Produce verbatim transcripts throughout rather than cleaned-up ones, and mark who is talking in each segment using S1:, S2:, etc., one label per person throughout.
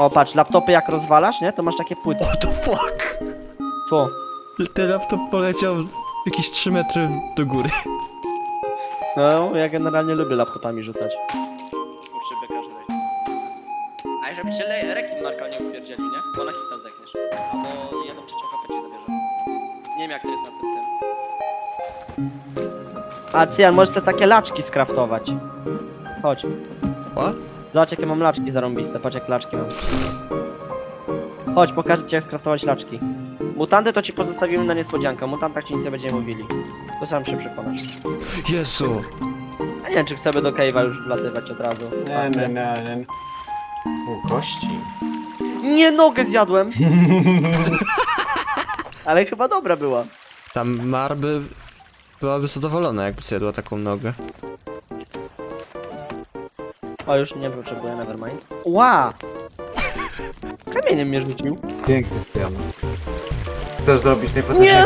S1: O, patrz, laptopy jak rozwalasz, nie? To masz takie płyty.
S2: What the fuck?
S1: Co?
S2: Ten laptop poleciał jakieś trzy metry do góry.
S1: No, ja generalnie lubię laptopami rzucać. Kurczę, każdej. A żeby się le- rekin Marka nie upierdzielił, nie? Bo na hita zdechniesz. Albo jedną trzecią kapę ci zabierze. Nie wiem jak to jest na tym tym. A Cyjan, możesz sobie takie laczki skraftować. Chodź.
S2: O?
S1: Zobacz jakie mam laczki zarąbiste, patrz jak laczki mam. Chodź, pokażę ci jak skraftować laczki. Mutanty to ci pozostawimy na niespodziankę, o mutantach ci nic nie będziemy mówili. To sam się przekonasz.
S2: Jezu.
S1: A nie wiem czy chcemy do cave'a już wlatywać od razu.
S3: Nie, nie, nie, nie. U, kości.
S1: Nie, nogę zjadłem! Ale chyba dobra była.
S2: Tam Marby byłaby zadowolona, jakby zjadła taką nogę.
S1: O, już nie potrzebuję, nevermind. Ła! Kamieniem mnie rzucił.
S3: Piękny piano. Chcesz zrobić najpotężniejszy?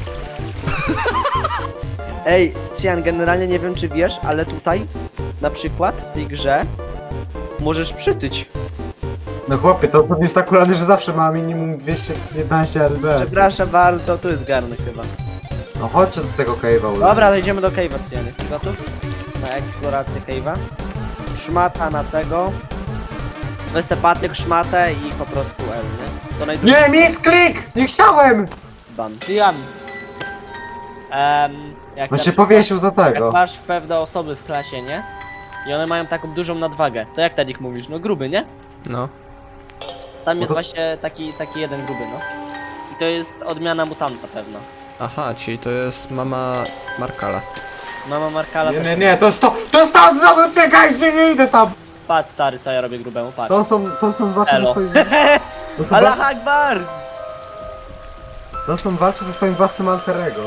S1: Ej, Cian, generalnie nie wiem czy wiesz, ale tutaj, na przykład w tej grze, możesz przytyć.
S3: No chłopie, to jest akurat, że zawsze ma minimum dwieście piętnaście L B S.
S1: Przepraszam bardzo, tu jest garnek chyba.
S3: No chodźcie do tego cave'a.
S1: Dobra, idziemy do cave'a, Cian, jesteś gotów? Na eksplorację cave'a. Szmata na tego. Wysepatyk, szmatę i po prostu L, nie? To najdłuższy
S3: Nie, misklik! Nie chciałem!
S1: dzban. Cian. Um, jak
S3: On
S1: na
S3: się
S1: przykład-
S3: powiesił za
S1: Jak
S3: tego.
S1: masz pewne osoby w klasie, nie? I one mają taką dużą nadwagę. To jak Tadik mówisz? No gruby, nie?
S2: No.
S1: Tam
S3: No
S1: jest
S3: to-
S1: właśnie taki, taki jeden gruby, no. I to jest odmiana mutanta pewna.
S2: Aha, czyli to jest mama Markala.
S1: Mama Markala
S3: Nie,
S1: też...
S3: nie, nie, to jest to, to jest to od zodu, czekajcie, nie idę tam!
S1: Patrz stary, co ja robię grubemu, patrz.
S3: To są, to są walczy ze
S1: Elo.
S3: swoim... To są,
S1: Allah
S3: walczy,
S1: Akbar!
S3: to są walczy ze swoim własnym alterego.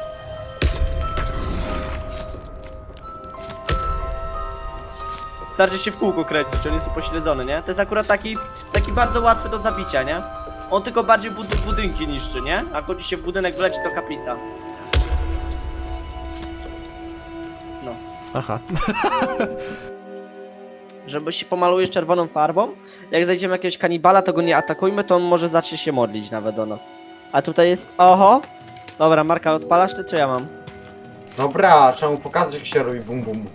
S1: Starczy się w kółku kręcić, on jest upośledzony, nie? To jest akurat taki, taki bardzo łatwy do zabicia, nie? On tylko bardziej bud budynki niszczy, nie? A jak ci się w budynek wleci, to kaplica. No.
S2: Aha.
S1: Żeby się pomalujesz czerwoną farbą, jak znajdziemy jakiegoś kanibala, to go nie atakujmy, to on może zacznie się modlić nawet do nas. A tutaj jest... Oho! Dobra, Marka, odpalasz ty, czy ja mam?
S3: Dobra, trzeba mu pokazać jak się robi bum bum.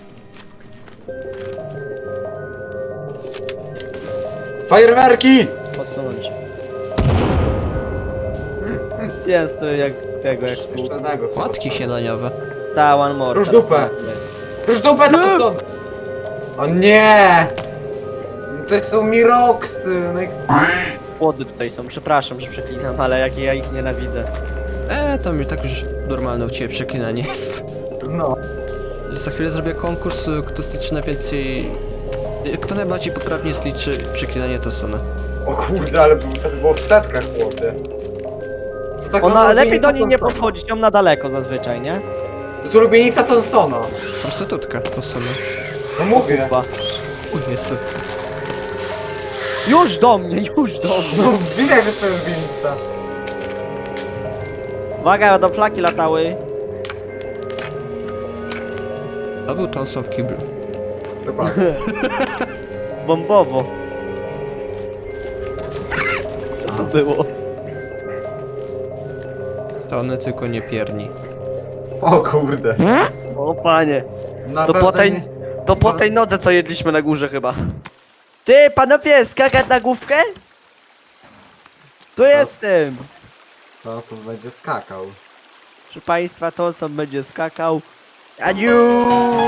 S3: Fajerwerki!
S1: Podsunąć. Jest to jak tego, jak
S3: Jeszcze
S1: kół.
S3: jednego.
S2: Płatki śniadaniowe.
S1: Ta, one more.
S3: Rusz
S1: teraz.
S3: dupę. Już dupę na stąd! O nie! To są Miroksy! No i...
S1: Płody tutaj są, przepraszam, że przeklinam, ale jak ja ich nienawidzę.
S2: Eee, to mi tak już normalne u ciebie przeklinanie jest.
S3: No.
S2: Za chwilę zrobię konkurs, y, kto zliczy najwięcej... y, Kto najbardziej poprawnie zliczy przeklinanie Tosona.
S3: O kurde, ale było- to było w setkach, chłopie. To jest tak
S1: Ona
S3: ulubienica
S1: lepiej do niej nie
S3: Thompsona.
S1: podchodzić, ją na daleko zazwyczaj, nie?
S3: To jest ulubienica Thompsona.
S2: Prostytutka Tosona.
S3: No mówię.
S1: Chyba.
S2: O Jezu.
S1: Już do mnie, już do mnie.
S3: No widać, że to jest ulubienica.
S1: Uwaga, do flaki latały.
S2: To był Thompson w kiblu.
S3: Dokładnie.
S1: Bombowo. Co to było?
S2: To one tylko nie pierni.
S3: O kurde.
S1: O panie.
S3: Na
S1: To po
S3: pewno
S1: tej,
S3: nie-
S1: to po tej nodze co jedliśmy na górze chyba. Ty, panowie, skakać na główkę? Tu jestem.
S3: Thompson będzie skakał.
S1: Proszę państwa, to sam będzie skakał. Aniu!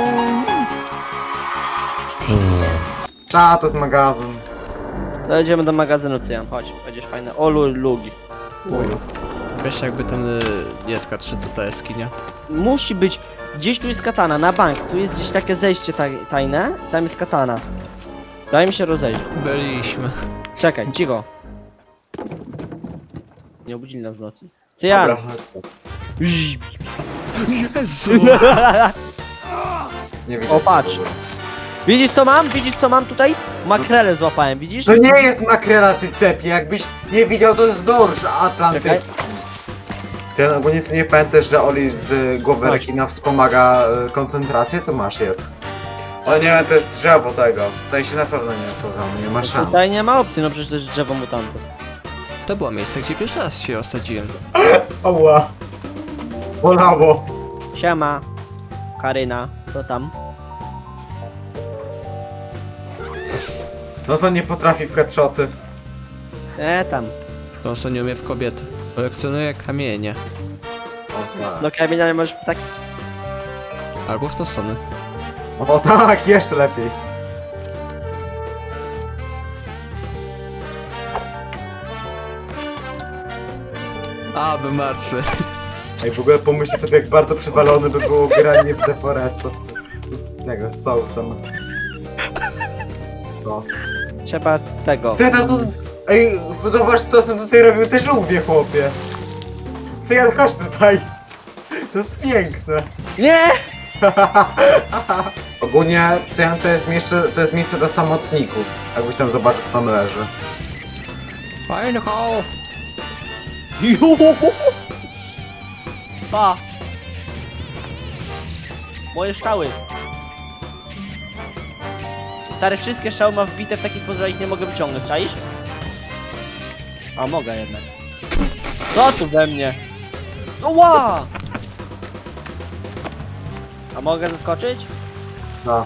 S3: Ta, to jest magazyn.
S1: To jedziemy do magazynu, Cyjan, chodź, będziesz fajny. O, lu- lugi.
S2: Wiesz jakby ten y, jest K trzy do ta jaskinia.
S1: Musi być, gdzieś tu jest katana, na bank, tu jest gdzieś takie zejście taj tajne, tam jest katana. Daj mi się rozejrzeć.
S2: Byliśmy.
S1: Czekaj, cicho. Nie obudzili nas w nocy. Cyjan!
S3: Dobra.
S2: Jezu!
S3: Nie widać.
S1: O, patrz.
S3: co było.
S1: Widzisz co mam? Widzisz co mam tutaj? Makrele złapałem, widzisz?
S3: To nie jest makrela, ty cepie. Jakbyś nie widział, to jest dorsz atlantycki. Ty ogólnie sobie nie pamiętasz, że Oli z y, głowy
S1: Chodź.
S3: rekina wspomaga y, koncentrację, to masz jedz. O nie, to jest drzewo tego. Tutaj się na pewno nie osadzamy, nie ma szans.
S1: Tutaj nie ma opcji, no przecież to jest drzewo mutantów.
S2: To było miejsce, gdzie pierwszy raz się osadziłem.
S3: Ała. Bolało.
S1: Siema. Karyna, co tam?
S3: No to nie potrafi w headshoty.
S1: E tam.
S2: To co nie umie w kobiety. Kolekcjonuje kamienie.
S3: O tak.
S1: No kamienia nie możesz tak...
S2: Albo w tą stronę.
S3: O tak, jeszcze lepiej.
S2: A, by martwy.
S3: Ej, w ogóle pomyślcie sobie, jak bardzo przewalone by było granie w The Foresta z, z tego, z sousem. Co?
S1: Trzeba tego.
S3: Ty tam tu... Ej, zobacz, to co tutaj robił te żółwie, chłopie. Co ja, chodź tutaj. To jest piękne.
S1: Nie!
S3: Ogólnie Cyjan to jest miejsce, to jest miejsce dla samotników. Jakbyś tam zobaczył, co tam leży.
S2: Fajny hall.
S1: Pa! Moje strzały. Stary, wszystkie strzały ma wbite w taki sposób, że ich nie mogę wyciągnąć, czaisz? A mogę jednak. Co tu we mnie? No ła! A mogę zaskoczyć?
S3: No.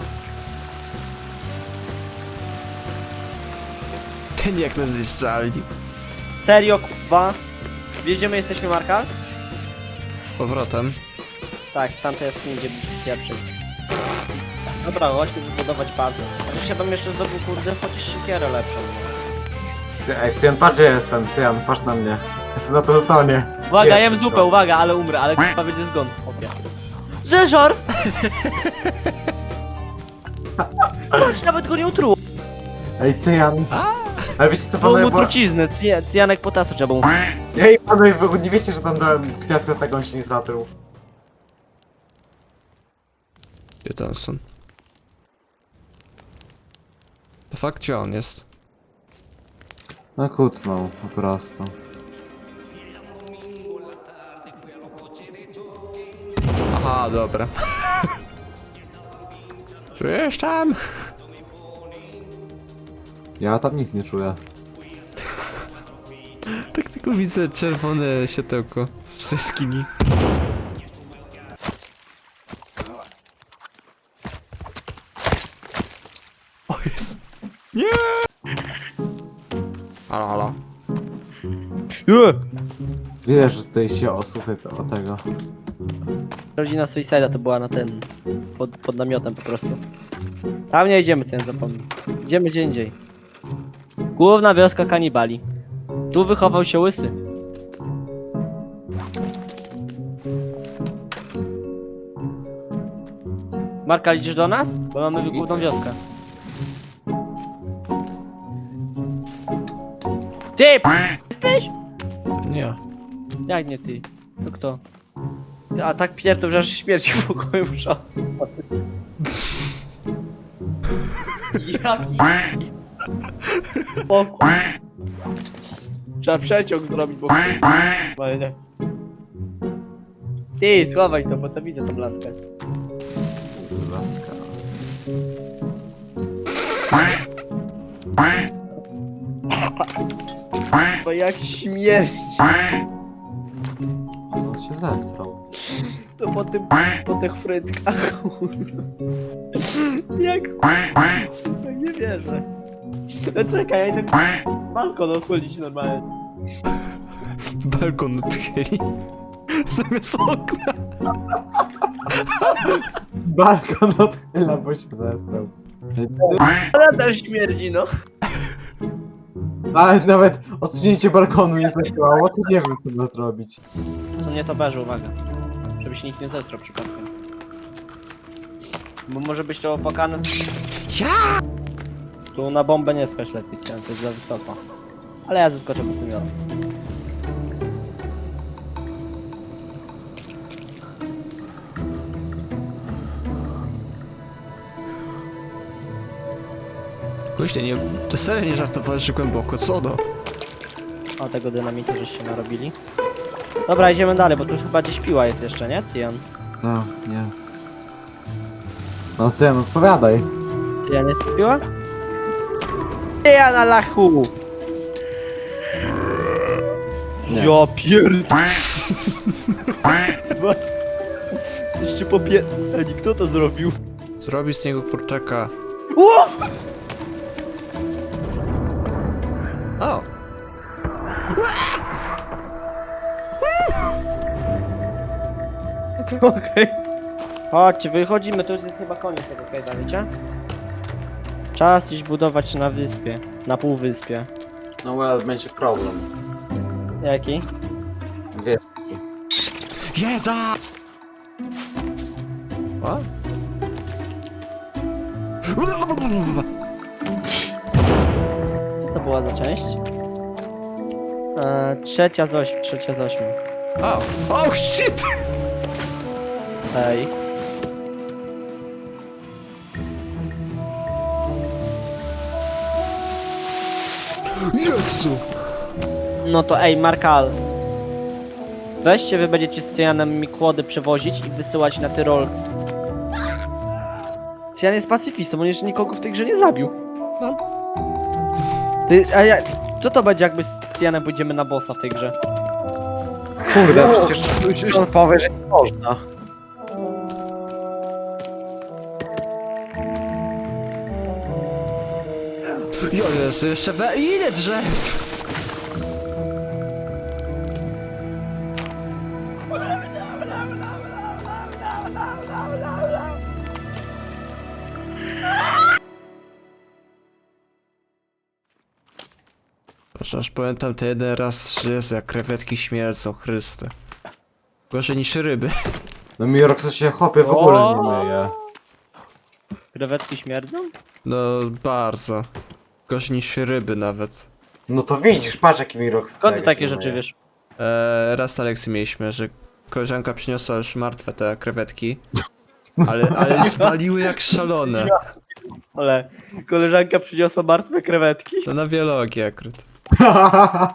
S2: Ten jak nas zniszczali.
S1: Serio, kurwa? Wiesz, gdzie my jesteśmy, Markal?
S2: Powrotem.
S1: Tak, w tamtej jaskini, gdzie byliśmy pierwszy. Dobra, chodźmy wybudować bazę. Chociaż ja bym jeszcze zdobył, kurde, chociaż siekierę lepszą. No.
S3: Cy- Ej, Cyjan, patrz, gdzie jestem. Cyjan, patrz na mnie. Jestem na to sonie.
S1: Uwaga, jem zupę, uwaga, ale umrę, ale kurwa będzie zgon. Opie. Zeżor! Patrz, nawet go nie utruł.
S3: Ej, Cyjan. Ale wiecie co,
S1: Było
S3: panowie,
S1: mu
S3: bo...
S1: truciznę, cyja- cyjanek potasa trzeba mu.
S3: Ej, panowie, wy nie wiecie, że tam dałem kwiatka, tak on się nie zatruł.
S2: Gdzie ten są? To fakt, gdzie on jest?
S3: No kucnął, po prostu.
S2: Aha, dobra. Czujesz tam?
S3: Ja tam nic nie czuję.
S2: Tak tylko widzę czerwone światełko z jaskini. O jest. Nie! Halo, halo.
S3: Wiesz, że tutaj się osusaj o tego.
S1: Rodzina Suicida to była na ten. Pod, pod namiotem po prostu. Tam nie idziemy, co ja zapomnę. Idziemy gdzie indziej. Główna wioska kanibali. Tu wychował się łysy. Marka, idziesz do nas? Bo mamy główną wioskę. Ty! p- Jesteś?
S2: To nie ja.
S1: Jak nie ty? To kto? Ty, a tak pierdol, że aż śmierci w pokoju muszę. Jaki spokój. Trzeba przeciąg zrobić, bo ale nie. Ty, schowaj to, bo to widzę tą laskę.
S3: Laska.
S1: Bo jak śmierć.
S3: Co on się zestrał?
S1: To po tym, po tych frytkach. Jak no nie wierzę. No czekaj, ja idę balkon odchodzić normalnie.
S2: Balkon odchyli. Zamiast okna.
S3: Balkon odchyla, bo się zestrał.
S1: Ale też śmierdzi, no.
S3: Ale nawet odsunięcie balkonu nie zadziałało, to nie wiem, co ma zrobić.
S1: Co mnie to beży, uwaga. Żeby się nikt nie zestrał przypadkiem. Bo może być to opłakane z...
S2: Ja!
S1: Tu na bombę nie skacz lepiej, to jest za wysoko. Ale ja zeskoczę po tym jodem.
S2: Myślę, nie, to serio nie żartowałeś, że głęboko, co do?
S1: O, tego dynamitu żeście narobili. Dobra, idziemy dalej, bo tu chyba gdzieś piła jest jeszcze, nie, Cyjan?
S3: No, nie. No syn, odpowiadaj.
S1: Czy ja nie kupiła? Ja na lachu!
S3: Nie.
S1: Ja pierd... Jeszcze popier... Ej, kto to zrobił?
S2: Zrobi z niego kurczaka.
S1: O!
S2: O!
S1: Okej. Chodźcie, wychodzimy, to już jest chyba koniec tego kajda, wiecie? Czas iść budować na wyspie. Na półwyspie.
S3: No well, będzie problem.
S1: Jaki?
S3: Wiesz.
S2: Jeza! O?
S1: Co to była za część? Eee, trzecia z ośmiu, trzecia z ośmiu.
S2: O! Oh shit!
S1: Ej.
S2: Jezu!
S1: No to ej, Markal. Weźcie, wy będziecie z Cyjanem mi kłody przewozić i wysyłać na Tyrolc. Cyjan jest pacyfistą, on jeszcze nikogo w tej grze nie zabił.
S2: No.
S1: Ty, a ja... Co to będzie, jakby z Cyjanem pójdziemy na bossa w tej grze?
S3: Kurde, przecież on powie, że nie można.
S2: Jo, Jezu, jeszcze we... Ile drzew? Aż aż pamiętam ten jeden raz, że Jezu, jak krewetki śmierdzą, Chryste. Gorzej niż ryby.
S3: No Mirox się chopie w ogóle nie myje.
S1: Krewetki śmierdzą?
S2: No, bardzo. Gorzej niż ryby nawet.
S3: No to widzisz, patrz jaki Mirox
S1: Skąd ty
S3: tego
S1: takie
S3: się
S1: rzeczy
S3: myje.
S1: wiesz?
S2: Eee, raz na lekcji mieliśmy, że koleżanka przyniosła już martwe te krewetki. Ale, ale spaliły jak szalone.
S1: Ale koleżanka przyniosła martwe krewetki.
S2: To na biologię akurat.